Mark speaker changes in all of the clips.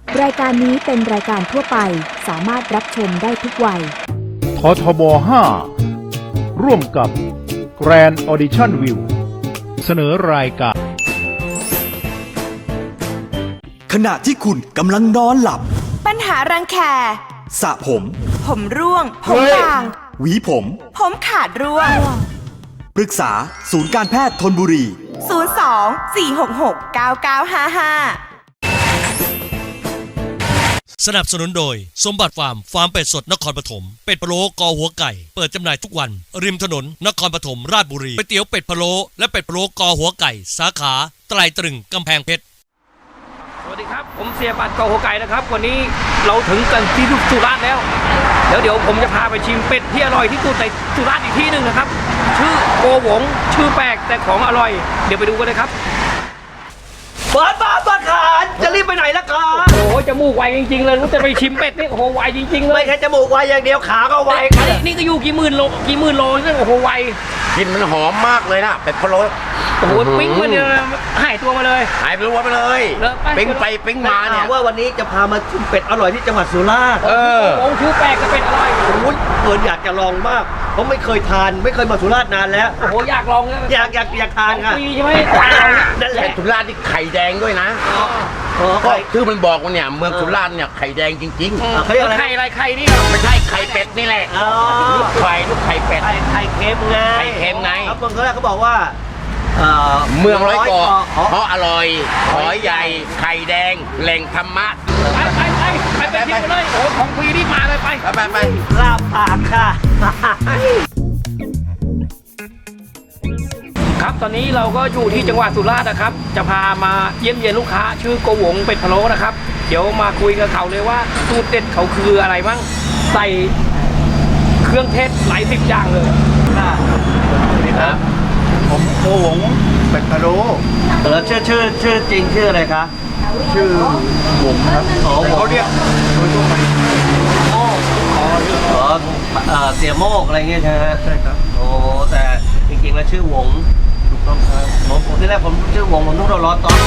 Speaker 1: รายการนี้เป็นรายการทั่วไปสามารถรับชมได้ทุกวัย
Speaker 2: ททบ 5 ร่วมกับ Grand Audition View เสนอรายการ
Speaker 3: ขณะที่คุณกำลังนอนหลับ
Speaker 4: ปัญหารังแค
Speaker 3: สระผม
Speaker 4: ร่วงผมบาง
Speaker 3: หวี
Speaker 4: ผมขาดร่วง
Speaker 3: ปรึกษาศูนย์การแพทย์ธนบุรี
Speaker 4: 02-466-9955
Speaker 5: สนับสนุนโดยสมบัติฟาร์มเป็ดสดนครปฐมเป็ดพะโล้กอหัวไก่เปิดจำหน่ายทุกวันริมถนนนครปฐมราชบุรีก๋วยเตี๋ยวเป็ดพะโล้และเป็ดพะโล้กอหัวไก่สาขาไตรตรึงกำแพงเพชร
Speaker 6: สวัสดีครับผมเสียบัตรกอหัวไก่นะครับวันนี้เราถึงกันที่สุราษฎร์แล้วเดี๋ยวผมจะพาไปชิมเป็ดที่อร่อยที่สุดในสุราษฎร์อีกที่หนึ่งนะครับชื่อโกหวงชื่อแปลกแต่ของอร่อยเดี๋ยวไปดูกันเลยครับเปิดบ้านประขานจะรีบไปไหนล่ะครับโอ้โหจมูกไวจริงๆเลยรู้จะไปชิมเป็ดนี่โอ้โหไวจริงๆเลย
Speaker 7: ไม่แค่จมูกไวอย่างเดียวขาก็ไว
Speaker 6: นี่ก็อยู่กี่หมื่นโลนี่โอ้โหไว
Speaker 7: กลิ่นมันหอมมากเลยนะเป็ดพะโล้
Speaker 6: โอ้โหปิ้งมาเนี่ยหายตัวมาเลย
Speaker 7: หายไปรัวไปเลยปิ้งไปปิ้งมาเนี่ย
Speaker 8: ว่าวันนี้จะพามาชิมเป็ดอร่อยที่จังหวัดสุราษฎร์
Speaker 6: องค์ชื่อแปลกก็เป็ดอร่อย
Speaker 8: โอ้ยเกินอยากจะลองมากเพราะไม่เคยทานไม่เคยมาสุราษฎร์นานแล้ว
Speaker 6: โอ้โหอยากลอง
Speaker 8: อยากทานค่ะ
Speaker 6: ฟรีใช่ไหม
Speaker 7: นั่นแหละสุราษฎร์ที่ไข่แดงด้วยนะก็ชื่อมันบอกว่าเนี่ยเมืองสุราษฎร์เนี่ยไข่แดงจริง
Speaker 6: ๆไข่อะไรไข่นี่
Speaker 7: ไม่ใช่ไข่เป็ดนี่แหละลูกไข่เป็ด
Speaker 8: ไข่เค็มไง
Speaker 7: ไข่เค็มไง
Speaker 8: ครับเมืองสุราษฎร์เขาบอกว่า
Speaker 7: เมืองร้อยเกาะเพราะอร่อยหอยใหญ่ไข่แดงแหล่งธรรมะ
Speaker 6: ไปที่เลยโอ้ของฟรีนี่มาเลยไป
Speaker 8: ลาบปากค่ะ
Speaker 6: ครับตอนนี้เราก็อยู่ที่จังหวัดสุราษฎร์นะครับจะพามาเยี่ยมเยียนลูกค้าชื่อโกหวงเป็ดพะโล้นะครับเดี๋ยวมาคุยกับเขาเลยว่าสูตรเด็ดเขาคืออะไรบ้างใส่เครื่องเทศหลาย10อย่างเลย
Speaker 8: สวัสดีครับ
Speaker 2: ผมโกหวงเป็ดพะโล้
Speaker 8: แล้วชื่อจริงชื่ออะไรคะ
Speaker 2: ชื่อหวงครับเขาเรียกโดยทั่วไป
Speaker 8: เสียโมกอะไรเงี้ยใช่ไหม
Speaker 2: ใช่ครับ
Speaker 8: โอ้แต่จริงๆแล้วชื่อหวง
Speaker 2: ถูกต้องครับ
Speaker 8: ผมที่แรกผมชื่อหวงผมต้องร้อนตอน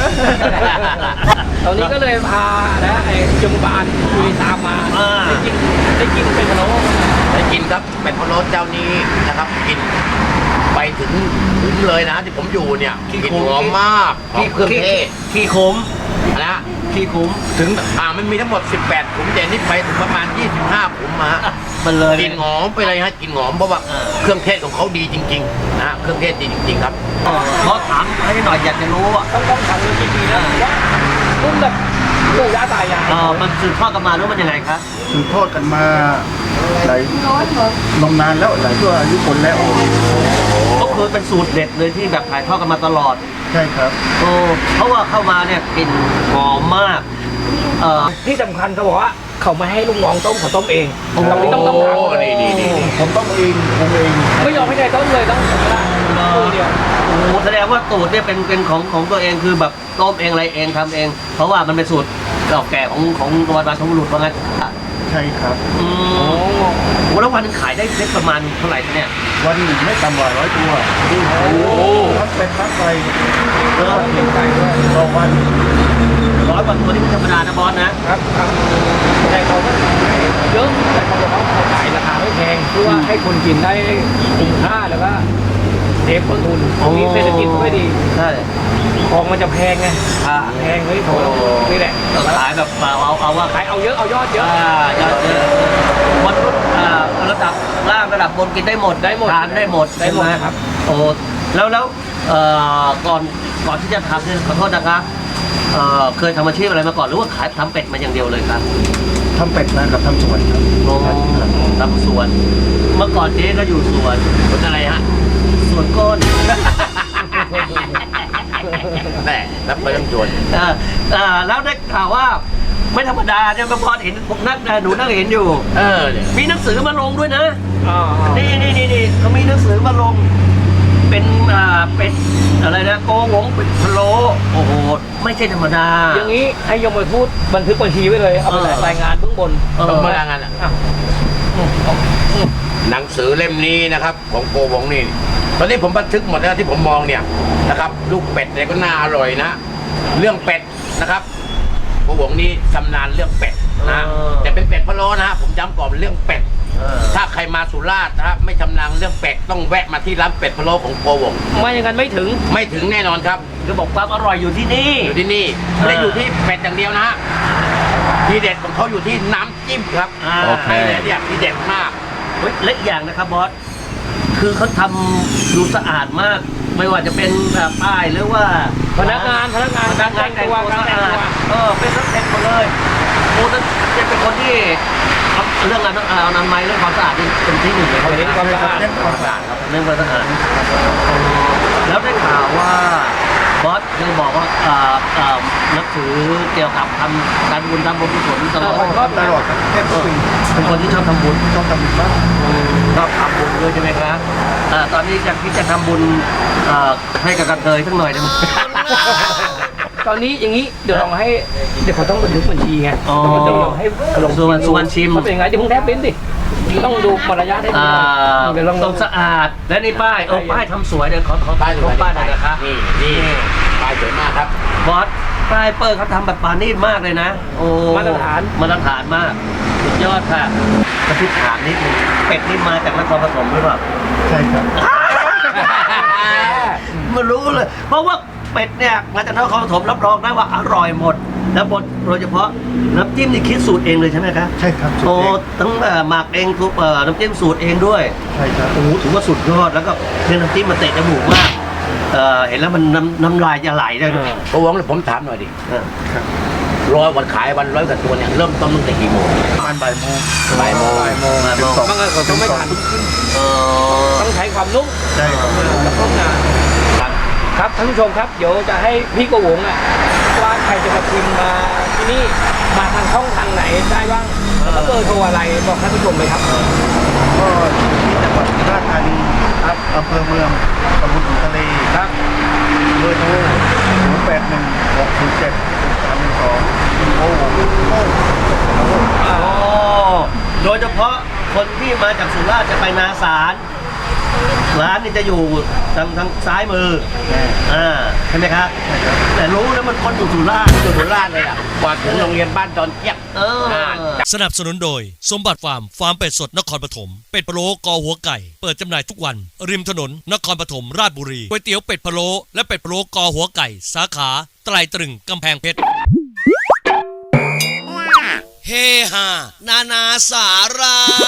Speaker 6: ตอนนี้ก็เลยพานะไอ้จมบานคุยตามมาได้กินเป็ดพะโล้
Speaker 7: ได้กินครับเป็ดพะโล้เจ้านี้นะครับกินไปถึงเลยนะที่ผมอยู่เนี่ยกลิ่นหอมมากเครื่องเทศ
Speaker 8: ขี้ขม
Speaker 7: นะ
Speaker 8: ขี้ขม
Speaker 7: ถึงมันมีทั้งหมด18ขุมแต่นี่ไปถึงประมาณ25ขุมมา
Speaker 8: มันเลย
Speaker 7: กลิ่นหอมไปเลยฮะกลิ่นหอมเพราะว่าเครื่องเทศของเขาดีจริงๆนะเครื่องเทศดีจริงๆครับ
Speaker 8: เขาถามให้หน่อยอยากจะรู้
Speaker 6: ต้องถามเรื่องจริงๆนะว่ารุ่นแบบปู่ย่าตายาย
Speaker 8: มันสืบทอดกันมาหรือมันยังไงครับ
Speaker 2: สืบทอดกันมาหลายนานแล้วหลายชั่วอายุคนแล้ว
Speaker 8: ก็คือเป็นสูตรเด็ดเลยที่แบบถ่ายทอดกันมาตลอด
Speaker 2: ใช่ครับ
Speaker 8: เพราะว่าเข้ามาเนี่ยกลิ่นหอมมาก
Speaker 6: ที่สำคัญเขาบอกว่าเขาไม่ให้ลูกน้องต้มเขาต้มเองเราไม่ต้องทำ
Speaker 7: ดี
Speaker 2: ผมต้มเอง
Speaker 6: ไม่ยอมให้ใครต้มเลยต้องมือเดียว
Speaker 8: โอ้แสดงว่าสูตรเนี่ยเป็นของตัวเองคือแบบต้มเองอะไรเองทำเองเพราะว่ามันเป็นสูตรเก่าแก่ของตัวบรรพบุรุษว่างั้น
Speaker 2: ใช่ครับ
Speaker 8: แล้ววันนึงขายได้ประมาณเท่าไหร่เนี่ย
Speaker 2: วันหนึ่งไม่ต่ำกว่า100 ตัวทั้งเป็นทั้งไก่เป็นไก่ด้วยต่อวัน
Speaker 8: 100 กว่าตัวนี่ธรรมดานะบอส
Speaker 6: นะครับแต่เขาก็เยอะแต่เขาบอกว่าเขาขายราคาไม่แพงเพื่อว่าให้คนกินได้คุ้มค่าแล้วก็เซฟต้นทุนตรงนี้เศรษฐกิจไม่ดี
Speaker 8: ใช่
Speaker 6: ของมันจะแพงไงแพงเฮ้ยโถนี่แหละ
Speaker 8: ขายแบบเอาว่า
Speaker 6: ขายเอาเยอะเอายอดเยอะ
Speaker 8: ยอดเยอะคนระดับล่างระดับบนกินได้หมดทานได้หมด
Speaker 6: ครับ
Speaker 8: โอ้แล้วก่อนที่จะทำเนี่ยขอโทษนะครับเคยทำอาชีพอะไรมาก่อนหรือว่าขายทำเป็ดมาอย่างเดียวเลยครับ
Speaker 2: ทำเป็ดนะกับทำสวนครับ
Speaker 8: ทำสวนเมื่อก่อนเจ๊ก็อยู่สวน
Speaker 7: อะไรฮะ
Speaker 8: สวนก้น
Speaker 7: แต่รับไปต้องจวน
Speaker 8: แล้วได้ข่าวว่าไม่ธรรมดาเนี่ยพอเห็นผมหนูนั่งเห็นอยู่มีหนังสือมาลงด้วยนะนี่เขามีหนังสือมาลงเป็นอะไรนะโกหวงเป็ดพะโล้โอ้โหไม่ใช่ธรรมดา
Speaker 6: อย่างนี้ให้ยมไปพูดบันทึกบัญชีไว้เลยเอาไปรายงานเบื้องบน
Speaker 7: มารายงานหนังสือเล่มนี้นะครับของโกหวงนี่ตอนนี้ผมบันทึกหมดแล้วที่ผมมองเนี่ยนะครับลูกเป็ดเนี่ยก็น่าอร่อยนะเรื่องเป็ดนะครับโกหงนี่ชำนาญเรื่องเป็ดนะแต่เป็นเป็ดพะโล้นะฮะผมย้ำก่อนเรื่องเป็ดถ้าใครมาสุราษฎร์นะฮะไม่ชำนาญเรื่องเป็ดต้องแวะมาที่ร้านเป็ดพะโล้ของโกหง
Speaker 6: ไม่อย่างนั้นไม่ถึง
Speaker 7: ไม่ถึงแน่นอนครับ
Speaker 8: คือบอกความอร่อยอยู่ที่นี่
Speaker 7: อยู่ที่นี่ไม่ได้อยู่ที่เป็ดอย่างเดียวนะฮะทีเด็ดของเขาอยู่ที่น้ำจิ้มครับ
Speaker 8: โอเค
Speaker 7: เนี่ยทีเด็ดมาก
Speaker 8: เฮ้ยและอีกอย่างนะครับบอสคือเขาทำดูสะอาดมาก ไม่ว่าจะเป็นป้ายหรือว่า
Speaker 6: พนักงานการแต่งตัว
Speaker 8: สะอาดเป็นทั้งเต็มหมดเลยโอ้นั่นเป็นคนที่เรื่องการอนามัยเรื่องความสะอาดเป็นที่หนึ่งเลยเขา
Speaker 6: เน้นความสะอาด
Speaker 8: เน้นความสะอาดครับเน้นความสะอาดแล้วได้ข่าวว่าบอสเคยบอกว่านับถือเกี่ยวกับทำการบุญทำบุญกุศลตลอด
Speaker 6: ตลอดครับ
Speaker 8: เป็นคนที่ชอบทำบุญชอบทำบุญมากชอบทำบุญด้วยใช่ไหมครับตอนนี้อยากที่จะทำบุญให้กับกระเทยสักหน่อยได้ไหม
Speaker 6: ตอนนี้อย่างนี้เดี๋ยวเราให้เดี๋ยวเขาต้องบันทึกบัญชีไงเดี๋ยวเราให้ลง
Speaker 8: สุวรรณชิม
Speaker 6: เขาเป็นยังไงเดี๋ยวมึงแทบเป็นดิต้องดูมารยาทให้ดีเดี๋ยวลอง
Speaker 8: ต้องสะอาดและนี่ป้ายป้ายทำสวยเดี๋ยวขอป้ายหน่อยนะครับ
Speaker 7: นี่ป้ายสวยมากครับ
Speaker 8: บอสป้ายเปิดเขาทำแบบปานีตมากเลยนะโอ้มาตรฐานมากสุดยอดค่ะกระพริบถามนิดนึงเป็ดนี่มาจากนครปฐมหรือเปล่า
Speaker 2: ใช่ครับ
Speaker 8: ไม่รู้เลย เพราะว่าเป็ดเนี่ยมาจากนครปฐมรับรองได้ว่าอร่อยหมด แล้วบดโดยเฉพาะน้ำจิ้มนี่คิดสูตรเองเลยใช่ไหมครับ
Speaker 2: ใช่ครับ
Speaker 8: โอ้ทั้งหมักเองทุกน้ำจิ้มสูตรเองด้วย
Speaker 2: ใช่ครับ
Speaker 8: โอ้โหถือว่าสุดยอดแล้วก็เนื้อน้ำจิ้มมันเตะจมูกมากเห็นแล้วมันน้ำลายจะไหลได้เลย
Speaker 7: โกหงผมถามหน่อยดิวันขายวัน100 กว่าตัวเนี่ยเริ่มต้นตั้งแต่กี่โมง
Speaker 2: ประมาณบ่ายโมง
Speaker 7: บ่ายโมง
Speaker 6: บางคนเขาต้องไม่ทันต้องใช้ความนุ่ม
Speaker 2: ใช่ครับ
Speaker 6: แล้วก็งานครับท่านผู้ชมครับเดี๋ยวจะให้พี่โกหงว่าใครจะมาชิมมาที่นี่มาทางช่องทางไหนได้บ้างแล้วเบอร์โทรอะไรบอกท่านผู้ชมเลยครับ
Speaker 2: ก็ที่จังหวัดสุราษฎร์ธานีครับอำเภอเมืองตำบลขุนทะเลครับเบอร์โทร081-607-312โอ้โห
Speaker 8: โดยเฉพาะคนที่มาจากสุราษฎร์จะไปนาสารร้านนี่จะอยู่ทางซ้ายมือใช่ไหมครับแต่รู้นะมันคนอยู่สุราษฎร์
Speaker 7: สุราษฎร์เลยอ่ะกว่าถึงโรงเรียนบ้านดอนเจี๊ยบ
Speaker 5: สนับสนุนโดยสมบัติฟาร์มเป็ดสดนครปฐมเป็ดพะโล้กอหัวไก่เปิดจำหน่ายทุกวันริมถนนนครปฐมราชบุรีก๋วยเตี๋ยวเป็ดพะโล้และเป็ดพะโล้กอหัวไก่สาขาไตรตรึงกำแพงเพชรเฮฮานานาสาระ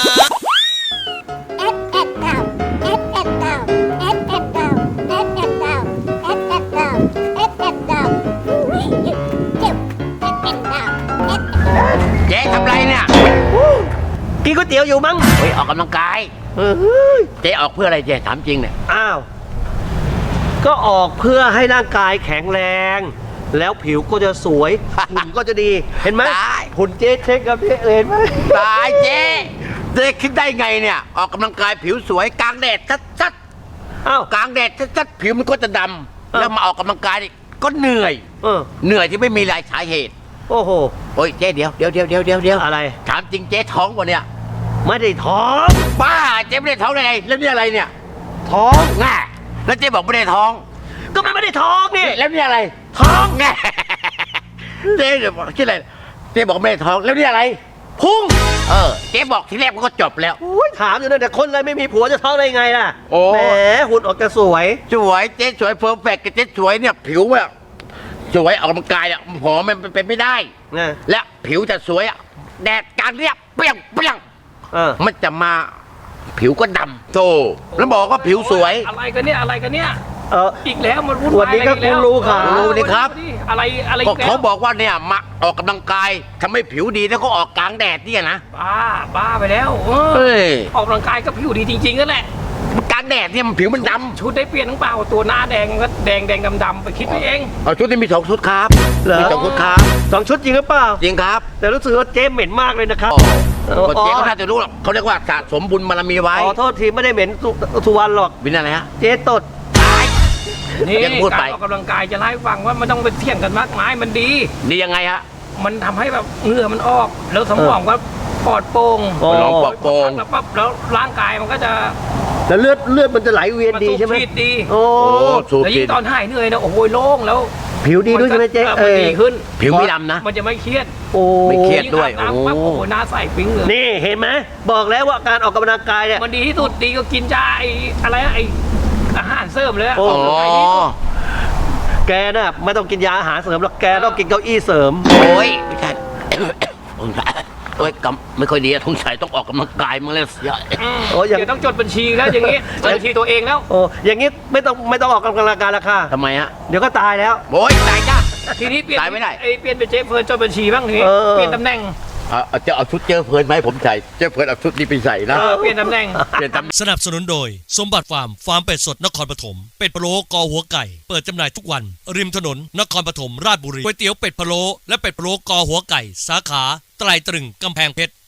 Speaker 7: เจ๊ทำไรเนี่ย
Speaker 8: กินก๋วยเตี๋ยวอยู่มั้ง
Speaker 7: เฮ้ยออกกำลังกายเจ๊ออกเพื่ออะไรเจ๊ถามจริงเนี่ย
Speaker 8: อ้าวก็ออกเพื่อให้ร่างกายแข็งแรง แล้วผิวก็จะสวยหุ่นก็จะดีเห็นไหมหุ่นเจ๊เช็คกับเจ๊เห็นไหม
Speaker 7: ตายเจ๊คิดได้ไงเนี่ยออกกำลังกายผิวสวยกลางแดดชัด
Speaker 8: อ้าว
Speaker 7: กลางแดดชัดผิวมันก็จะดำแล้วมาออกกำลังกายนี่ก็เหนื่อย เหนื่อยที่ไม่มีสาเหตุ
Speaker 8: โอ้โห
Speaker 7: โอ้ยเจ๊เดี๋ยว
Speaker 8: อะไร
Speaker 7: ถามจริงเจ๊ท้องวะเนี่ย
Speaker 8: ไม่ได้ท้อง
Speaker 7: บ้าเจ๊ไม่ได้ท้องได้ไงแล้วนี่อะไรเนี่ย
Speaker 8: ท้อง
Speaker 7: ง่าแล้วเจ๊บอกไม่ได้ท้อง
Speaker 8: ก็ไม่ได้ท้องนี่
Speaker 7: แล้วนี่อะไรท้องง่าเจ๊บอกชื่ออะไรเจ๊บอกไม่ได้ท้องแล้วนี่อะไรพุงเจ๊บอกทีแรกมันก็จบแล้ว
Speaker 8: ถามอยู่นั่นแต่คนอะไรไม่มีผัวจะท้องได้ไงล่ะ
Speaker 7: โอ้
Speaker 8: แหมหุ่นออกจะสวย
Speaker 7: สวยเจ๊สวยเพอร์เฟกต์เจ๊สวยเนี่ยผิวแบบสวยออกกำลังกายอ่ะหอมมันเป็นไม่ได้
Speaker 8: นะ
Speaker 7: และผิวจะสวยอ่ะแดดกลางเรียบเปรี้ยงมันจะมาผิวก็ดำโธ่แล้วบอกว่าผิวสวย
Speaker 6: อะไรกันเนี่ยอีกแล้วมันวุ่น
Speaker 8: วั
Speaker 6: วาน ย
Speaker 8: นี้ก็คุณรู้ค่ะ
Speaker 7: รู้นี่ครับ
Speaker 6: อะไร
Speaker 7: ก็
Speaker 6: อีกแล้ว
Speaker 7: เขาบอกว่าเนี่ยมาออกกำลังกายทำให้ผิวดีแล้วก็ออกกลางแดดเนี่ยนะ
Speaker 6: บ้าไปแล้ว
Speaker 7: เฮ้ย
Speaker 6: ออกกำลังกายก็ผิวดีจริงๆนั่นแหละ
Speaker 7: กลางแดดเนี่ยมันผิวมันด
Speaker 6: ชุดได้เปลี่ยนทั้งเปล่าตัวหน้าแดงก็แดงดำไปคิดไปเอง
Speaker 7: ำเอาชุดที่มี2 ชุดครับ
Speaker 8: เหรอ
Speaker 7: มี2 ชุดครับ
Speaker 8: 2 ชุดจริงหรือเปล่า
Speaker 7: จริงครับ
Speaker 8: แต่รู้สึกว่าเจ๊เหม็นมากเลยนะครับ
Speaker 7: ก็เจ๊ก็น่าจะรู้หรอกเขาเรียกว่าสะสมบุญบารมีไว้
Speaker 8: ขอโทษทีไม่ได้เหม็นสุวรรณหรอก
Speaker 7: วินอะไรฮะ
Speaker 8: เจ๊ตด
Speaker 6: นี่
Speaker 7: ยังพูดไป
Speaker 6: การออกกำลังกายจะไล่าให้ฟังว่ามันต้องไปเที่ยงกันมากมายมันดี
Speaker 7: ดียังไงฮะ
Speaker 6: มันทำให้แบบเหงื่อมันออกแล้วสมองก็ปลอดโปร่ง
Speaker 7: ลองปลอดโปร่ง
Speaker 6: แล้วปั๊บแล้วร่างกายมันก็จะ
Speaker 8: แล้วเลือดมันจะไหลเวียนดีใช่ไหม
Speaker 6: มันสูบฉีดดี
Speaker 8: โอ้
Speaker 7: สูบ
Speaker 6: แล้ว
Speaker 7: ฉี
Speaker 6: ยิ่
Speaker 7: ด
Speaker 6: งตอนหายเหนื่อยนะโอ้โหโล่งแล้ว
Speaker 8: ผิวดีด้วยใช่ไหมเจ๊
Speaker 6: มันดีขึ้น
Speaker 7: ผิวไม่ดำนะ
Speaker 6: มันจะไม่เครียด
Speaker 8: โอ้
Speaker 7: ไม่เครียด ด้วย
Speaker 6: งอาบน้ำปั๊บ
Speaker 7: โอ้
Speaker 6: โอ้โหหน้าใสปิ๊งเลย
Speaker 8: นี่เห็นไหมบอกแล้วว่าการออกกำลังกายเนี่ย
Speaker 6: มันดีที่สุดดีก็กินยาไอ้อะไรนะไอ้อาหารเสริมเลยอะ
Speaker 8: โอ้
Speaker 7: อ๋อ
Speaker 6: ไอ้นี่
Speaker 8: แกน่ะไม่ต้องกินยาอาหารเสริมหรอกแกต้องกินเก้าอี้เสริม
Speaker 7: โอ้ยไม่ใช่ โอ้ยกำไม่ค่อยดีอะทงชัยต้องออกกำลังกายมาเลยเสีย
Speaker 8: โอ้ยัง
Speaker 6: เดี๋ยวต้องจดบัญชีแล้วอย่างงี้จดบัญชีตัวเองแล้ว
Speaker 8: โอ้อย่างงี้ไม่ต้องออกกำลังกายแล้วค่ะ
Speaker 7: ทำไมฮะ
Speaker 8: เดี๋ยวก็ตายแล้ว
Speaker 7: โอ้ยตายจ้า
Speaker 6: ทีนี้เปลี่ยน
Speaker 7: ตายไม่ได้
Speaker 6: เปลี่ยนเป็นเจ๊เฟิร์นจดบัญชีบ้างทีนี้
Speaker 8: เออ
Speaker 6: เปลี่ยนตำแหน่ง
Speaker 7: จะเอาชุดเจอเพลินไหมาให้ผมใส่เจอเพลินเอาชุดนี้ไปใส่นะ
Speaker 6: เปลี่ยนตำแหน่ง
Speaker 7: เปลี่ยนตำ
Speaker 5: สนับสนุนโดยสมบัติฟาร์มฟาร์มเป็ดสดนครปฐมเป็ดพะโล้กอหัวไก่ เปิดจำหน่ายทุกวัน ริมถนนนครปฐมราชบุรีก๋วยเตี๋ยวเป็ดพะโล้และเป็ดพะโล้กอหัวไก่ สาขาไตรตรึงกำแพงเพชร